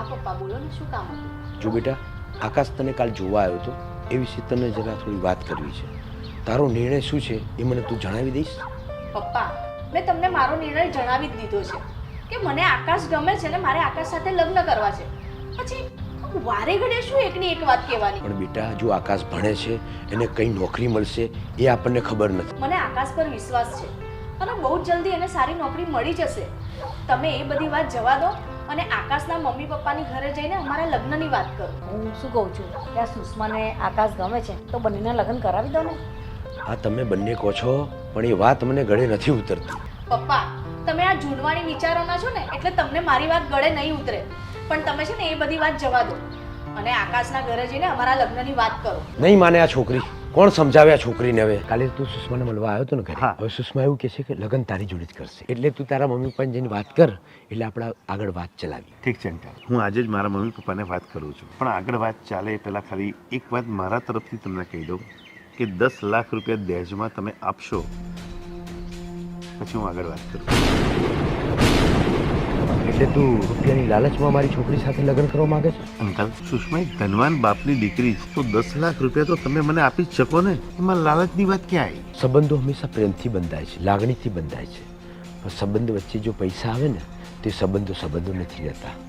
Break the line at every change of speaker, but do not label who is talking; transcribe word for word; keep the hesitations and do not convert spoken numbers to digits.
હા પપ્પા બોલો ને, શું કામ હતું?
જો બેટા, આકાશ તને કાલ જોવા આવ્યો હતો એ વિશે તને જરા થોડી વાત કરવી છે. તારો નિર્ણય શું છે એ મને તું જણાવી દઈશ?
પપ્પા, મેં તમને મારો નિર્ણય જણાવી જ દીધો છે કે મને આકાશ ગમે છે ને મારે આકાશ સાથે લગ્ન કરવા છે. પછી વારે ઘડે શું એકની એક વાત કહેવાની?
પણ બેટા, જો આકાશ ભણે છે, એને કઈ નોકરી મળશે એ આપણને ખબર નથી.
મને આકાશ પર વિશ્વાસ છે અને બહુ જ જલ્દી એને સારી નોકરી મળી જશે. તમે એ બધી વાત જવા દો અને આકાશના મમ્મી પપ્પાની ઘરે જઈને અમારા લગ્નની વાત કરો.
હું શું કહું છું કે આ સુષ્માને આકાશ ગમે છે તો બંનેના લગ્ન કરાવી દો ને.
આ તમે બંને કહો છો પણ એ વાત મને ગળે નથી ઉતરતી.
પપ્પા, તમે આ જૂનવાણી વિચારોના છો ને એટલે તમને મારી વાત ગળે નહીં ઉતરે. પણ તમે છે ને એ બધી વાત જવા દો અને આકાશના ઘરે જઈને અમારા લગ્નની વાત કરો.
નહીં માને આ છોકરી. કોણ સમજાવે આ છોકરીને? હવે કાલે તું સુષ્માને મળવા આવ્યો હતો ને ઘરે. હવે સુષ્મા એવું કહે છે કે લગ્ન તારી જોડે જ કરશે, એટલે તું તારા મમ્મી પપ્પાને જઈને વાત કર, એટલે આપણે આગળ વાત ચલાવી.
ઠીક છે અંકલ, હું આજે જ મારા મમ્મી પપ્પાને વાત કરું છું. પણ આગળ વાત ચાલે એ પહેલાં ખાલી એક વાત મારા તરફથી તમને કહી દઉં કે દસ લાખ રૂપિયા દહેજમાં તમે આપશો પછી હું આગળ વાત કરું.
એટલે તું રૂપિયાની લાલચમાં મારી છોકરી સાથે લગ્ન કરવા માંગે છે?
અંકલ, સુષ્મા એક ધનવાન બાપની દીકરી છે, તો દસ લાખ રૂપિયા તો તમે મને આપી જ શકો ને. એમાં લાલચની વાત ક્યાં આવી?
સંબંધો હંમેશા પ્રેમથી બંધાય છે, લાગણીથી બંધાય છે, પણ સંબંધ વચ્ચે જો પૈસા આવે ને તે સંબંધો સંબંધો નથી રહેતા.